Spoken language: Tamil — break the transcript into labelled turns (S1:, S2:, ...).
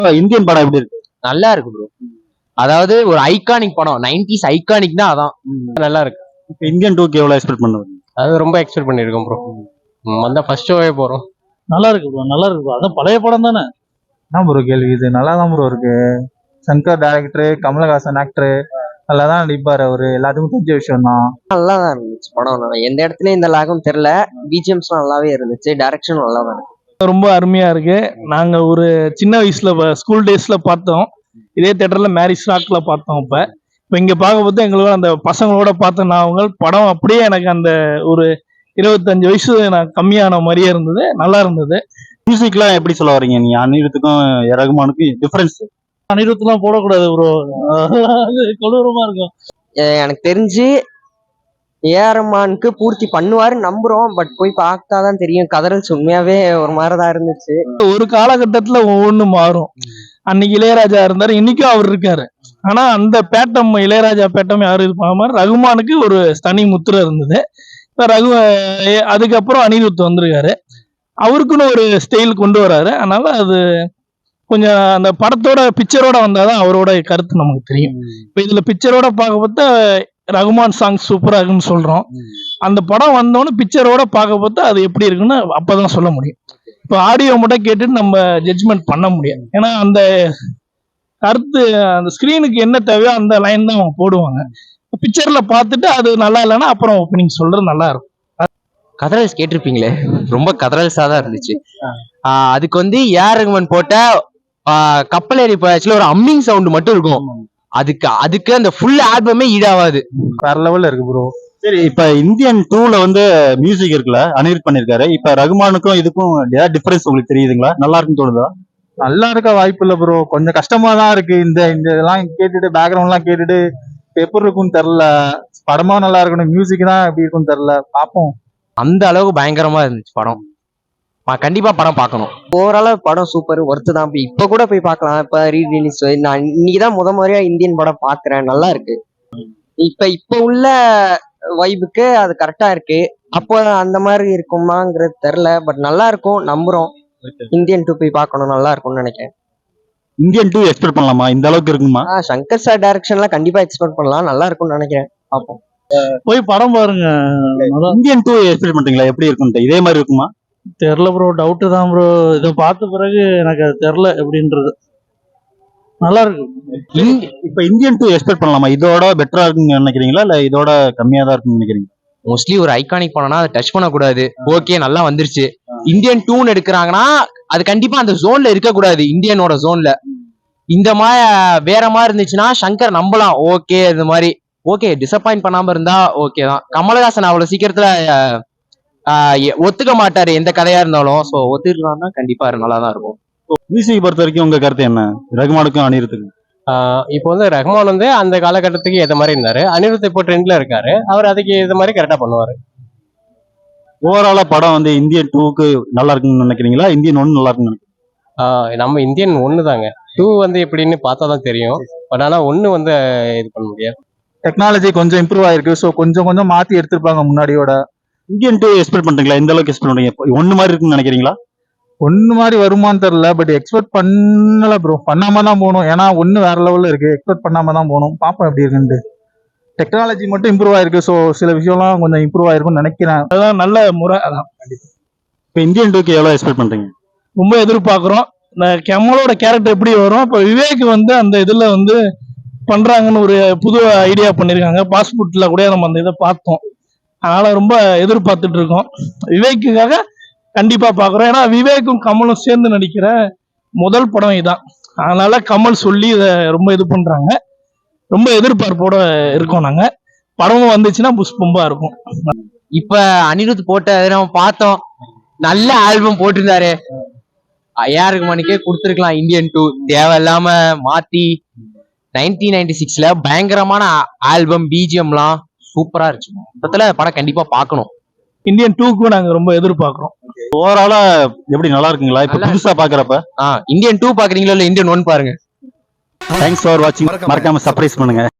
S1: இந்தியன் படம் எப்படி இருக்கு?
S2: நல்லா இருக்கு ப்ரோ. அதாவது ஒரு ஐகானிக் படம், 90s ஐகானிக் தான். அதான் நல்லா இருக்கு.
S1: இப்ப இந்தியன் 2க்கு எவ்வளவு எக்ஸ்பெக்ட் பண்ணுவீங்க?
S2: அது ரொம்ப எக்ஸ்பெக்ட் பண்ணிருக்கோம் ப்ரோ. வந்தா ஃபர்ஸ்ட் ஷோவே போறோம்.
S3: நல்லா இருக்கு ப்ரோ, நல்லா இருக்கு ப்ரோ. அதான் பழைய படம் தானே. என்ன ப்ரோ கேள்வி இது? நல்லா தான் ப்ரோ இருக்கு. சங்கர் டைரக்டர், கமலஹாசன் ஆக்டர் நல்லா தான் நடிப்பாரு அவரு. எல்லாத்துக்கும் தெரிஞ்ச விஷயம் தான்.
S4: நல்லா தான் இருந்துச்சு படம். எந்த இடத்துலயும் இந்த லாகம் தெரியல. பிஜிஎம்ஸ்லாம் நல்லாவே இருந்துச்சு. டைரக்ஷன் நல்லா தான் இருக்கு.
S3: ரொம்ப அருமையா இருக்கு. நாங்க ஒரு சின்ன வயசுல ஸ்கூல் டேஸ்ல பார்த்தோம். இதே தியேட்டர்ல மேரிஸ் ராக்ல பார்த்தோம். இப்ப இங்க பார்க்கும்போது எங்களுக்கு அந்த பசங்களோட பார்த்த நான் படம் அப்படியே எனக்கு அந்த ஒரு 25 வயசு நான் கம்மியான மாதிரியே இருந்தது. நல்லா இருந்தது.
S1: மியூசிக்லாம் எப்படி சொல்ல வரீங்க நீங்க? அனிருத்துக்கும் ரகுமானுக்கும் டிஃபரன்ஸ்?
S3: அனிருத்லாம் போடக்கூடாது ப்ரோ, கொடூரமா இருக்கும்.
S4: எனக்கு தெரிஞ்சு ஏஆர் ரஹ்மானுக்கு பூர்த்தி பண்ணுவாரு நம்புறோம். பட் போய் பார்த்தாதான் தெரியும். கதறல்ஸ் உண்மையாவே ஒரு மாதிரிதான் இருந்துச்சு.
S3: ஒரு காலகட்டத்துல ஒவ்வொன்னு மாறும். அன்னைக்கு இளையராஜா இருந்தாரு, இன்னைக்கும் அவர் இருக்காரு. ஆனா அந்த பேட்டம், இளையராஜா பேட்டம் யாரும் இது பண்ண மாதிரி ரகுமானுக்கு ஒரு தனி முத்திரை இருந்தது. அதுக்கப்புறம் அனிருத் வந்திருக்காரு. அவருக்குன்னு ஒரு ஸ்டைல் கொண்டு வராரு. அதனால அது கொஞ்சம் அந்த படத்தோட பிக்சரோட வந்தாதான் அவரோட கருத்து நமக்கு தெரியும். இப்ப இதுல பிக்சரோட பார்க்க பார்த்தா ரகுமான் சாங் சூப்பரா இருக்குன்னு சொல்றோம். அந்த படம் வந்தோன்னு பிக்சரோட பார்க்க பார்த்தா அது எப்படி இருக்குன்னு அப்பதான் சொல்ல முடியும். இப்ப ஆடியோ மட்டும் கேட்டுட்டு நம்ம ஜட்ஜ்மெண்ட் பண்ண முடியாது. ஏன்னா அந்த கருத்து அந்த ஸ்கிரீனுக்கு என்ன தேவையோ அந்த லைன் தான் அவங்க போடுவாங்க. பிக்சர்ல பார்த்துட்டு அது நல்லா இல்லைன்னா அப்புறம் ஓப்பனிங் சொல்றது நல்லா இருக்கும்.
S2: கதறல்ஸ் கேட்டிருப்பீங்களே, ரொம்ப கதறல்ஸா தான் இருந்துச்சு. அதுக்கு ஏஆர் ரஹ்மான் போட்ட கப்பல் ஏறி போயாச்சுல ஒரு அம்மிங் சவுண்ட் மட்டும் இருக்கும். அதுக்கு அந்த ஃபுல் ஆல்பமே ஈடாவாது.
S3: வேற லெவல்ல இருக்கு ப்ரோ.
S1: சரி, இப்ப இந்தியன் 2ல மியூசிக் இருக்குல்ல, அனிருத் பண்ணிருக்காரு. இப்ப ரகுமானுக்கும் இதுக்கும் ஏதாவது டிஃபரன்ஸ் உங்களுக்கு தெரியுதுங்களா? நல்லா இருக்குன்னு தோணுதா?
S3: நல்லா இருக்க வாய்ப்பு இல்ல ப்ரோ, கொஞ்சம் கஷ்டமா தான் இருக்கு. இந்த இதெல்லாம் கேட்டுட்டு பேக்ரவுண்ட் எல்லாம் கேட்டுட்டு எப்படி இருக்கும்னு தெரியல. படமா நல்லா இருக்கணும், மியூசிக் தான் எப்படி இருக்கும்னு தெரியல. பாப்போம்.
S2: அந்த அளவுக்கு பயங்கரமா இருந்துச்சு படம். கண்டிப்பா படம் பார்க்கணும்.
S4: ஓவராலா படம் சூப்பர், ஒர்த்து தான். இப்ப கூட போய் பார்க்கலாம். இப்ப ரீரிலீஸ் நான் இன்னைக்குதான் முறையா இந்தியன் படம் பாக்குறேன். நல்லா இருக்கு. இப்ப உள்ள வைபுக்கு அது கரெக்டா இருக்கு. அப்போ அந்த மாதிரி இருக்குமாங்கிறது தெரியல. பட் நல்லா இருக்கும், நம்புறோம். இந்தியன் 2 போய் பார்க்கணும், நல்லா இருக்கும்னு நினைக்கிறேன்.
S1: இந்தியன் 2 எக்ஸ்பெக்ட் பண்ணலாமா? இந்த அளவுக்கு இருக்குமா?
S4: சங்கர் சார் டைரக்ஷன்லாம் கண்டிப்பா எக்ஸ்பெக்ட் பண்ணலாம். நல்லா இருக்கும்னு நினைக்கிறேன். பார்ப்போம்.
S3: போய் படம் பாருங்க.
S1: இந்தியன் 2 எக்ஸ்பெக்ட் பண்றீங்களா? எப்படி இருக்கும்ட்டு இதே மாதிரி இருக்குமா?
S3: தெரியல ப்ரோ, டவுட் தான் ப்ரோ. இதை பார்த்த பிறகு எனக்கு அது தெரியல எப்படின்றது. நல்லா இருக்கு.
S1: இப்ப இந்தியன் 2 எக்ஸ்பெக்ட் பண்ணலாமா? இதோட பெட்டரா இருக்குன்னு நினைக்கிறீங்களா, இல்ல இதோட கம்மியா தான் இருக்குன்னு நினைக்கிறீங்க?
S2: மோஸ்ட்லி ஒரு ஐகானிக் படம்னா அதை டச் பண்ணக்கூடாது. ஓகே, நல்லா வந்துருச்சு. இந்தியன் 2 எடுக்கிறாங்கன்னா அது கண்டிப்பா அந்த ஜோன்ல இருக்கக்கூடாது. இந்தியனோட ஜோன்ல இந்த மாதிரி வேற மாதிரி இருந்துச்சுன்னா சங்கர் நம்பலாம். ஓகே, இந்த மாதிரி ஓகே, டிசப்பாயிண்ட் பண்ணாம இருந்தா ஓகே தான். கமலஹாசன் அவ்வளவு சீக்கிரத்துல ஒத்துக்க மாட்டாரு எந்த கதையா இருந்தாலும். சோ ஒத்துக்கலாம்னா கண்டிப்பா நல்லா தான் இருக்கும்.
S1: மியூசிக் பொறுத்த வரைக்கும் உங்க கருத்து என்ன? ரகுமானுக்கும் அனிருத்துக்கும்
S2: இப்போ ரஹ்மான் அந்த காலகட்டத்துக்கு ஏற்ற மாதிரி இருந்தாரு. அனிருத் இப்போ ட்ரெண்ட்ல இருக்காரு. அவர் அதுக்கு ஏற்ற மாதிரி கரெக்டா பண்ணுவாரு.
S1: ஓவராலா படம் இந்தியன் 2க்கு நல்லா இருக்குன்னு நினைக்கிறீங்களா, இந்தியன் 1 நல்லா இருக்குன்னு நினைக்கிறீங்களா?
S2: நம்ம இந்தியன் 1 தாங்க. 2 எப்படின்னு பார்த்தா தான் தெரியும். பட் ஆனா 1 இது பண்ண முடியாது.
S3: டெக்னாலஜி கொஞ்சம் இம்ப்ரூவ் ஆயிருக்கு. ஸோ கொஞ்சம் மாத்தி எடுத்திருப்பாங்க முன்னாடியோட.
S1: இந்தியன் 2 எக்ஸ்பெக்ட் பண்றீங்களா? இந்த அளவுக்கு எக்ஸ்பெக்ட் பண்றீங்க? 1 மாதிரி இருக்குன்னு நினைக்கிறீங்களா?
S3: 1 மாதிரி வருமானு தெரியல. பட் எக்ஸ்பெக்ட் பண்ணல ப்ரோ. பண்ணாம தான் போகணும். ஏன்னா 1 வேற லெவல்ல இருக்கு. எக்ஸ்பெக்ட் பண்ணாம தான் போகணும். பாப்போம் எப்படி இருக்குன்ட்டு. டெக்னாலஜி மட்டும் இம்ப்ரூவ் ஆயிருக்கு. ஸோ சில விஷயம்லாம் கொஞ்சம் இம்ப்ரூவ் ஆயிருக்கும்னு நினைக்கிறேன். அதான் நல்ல முறை. அதான்
S1: இப்ப இந்தியன் 2க்கு எவ்வளவு எக்ஸ்பெக்ட் பண்றீங்க?
S3: ரொம்ப எதிர்பார்க்கிறோம். இந்த கமலோட கேரக்டர் எப்படி வரும், இப்போ விவேக் அந்த இதுல பண்றாங்கன்னு ஒரு புது ஐடியா பண்ணிருக்காங்க. பாஸ்போர்ட்ல கூட நம்ம அந்த இதை பார்த்தோம். அதனால ரொம்ப எதிர்பார்த்துட்டு இருக்கோம். விவேக்குக்காக கண்டிப்பா பாக்குறோம். ஏன்னா விவேக்கும் கமலும் சேர்ந்து நடிக்கிற முதல் படம் இதான். அதனால கமல் சொல்லி இதை ரொம்ப இது பண்றாங்க. ரொம்ப எதிர்பார்ப்போட இருக்கோம் நாங்க. படமும் வந்துச்சுன்னா புஷ்பம்பா இருக்கும்.
S2: இப்ப அனிருத் போட்ட நம்ம பார்த்தோம். நல்ல ஆல்பம் போட்டிருந்தாரு. ஏஆர் ரஹ்மானுக்கே கொடுத்துருக்கலாம். இந்தியன் 2 தேவையில்லாம மாத்தி 1996ல பயங்கரமான ஆல்பம், பிஜிஎம்லாம் சூப்பரா இருந்துச்சு. மொத்தத்துல படம் கண்டிப்பா பார்க்கணும்.
S3: இந்தியன் 2க்கும் நாங்க ரொம்ப எதிர்பார்க்கிறோம்.
S1: ஓவராலா எப்படி நல்லா இருக்குங்களா இப்ப புதுசா பாக்குறப்ப?
S2: இந்தியன் 2 பாக்குறீங்களா இல்ல இந்தியன் 1 பாருங்க.
S1: தேங்க்ஸ் ஃபார் வாட்சிங். மறக்காம சர்ப்ரைஸ் பண்ணுங்க.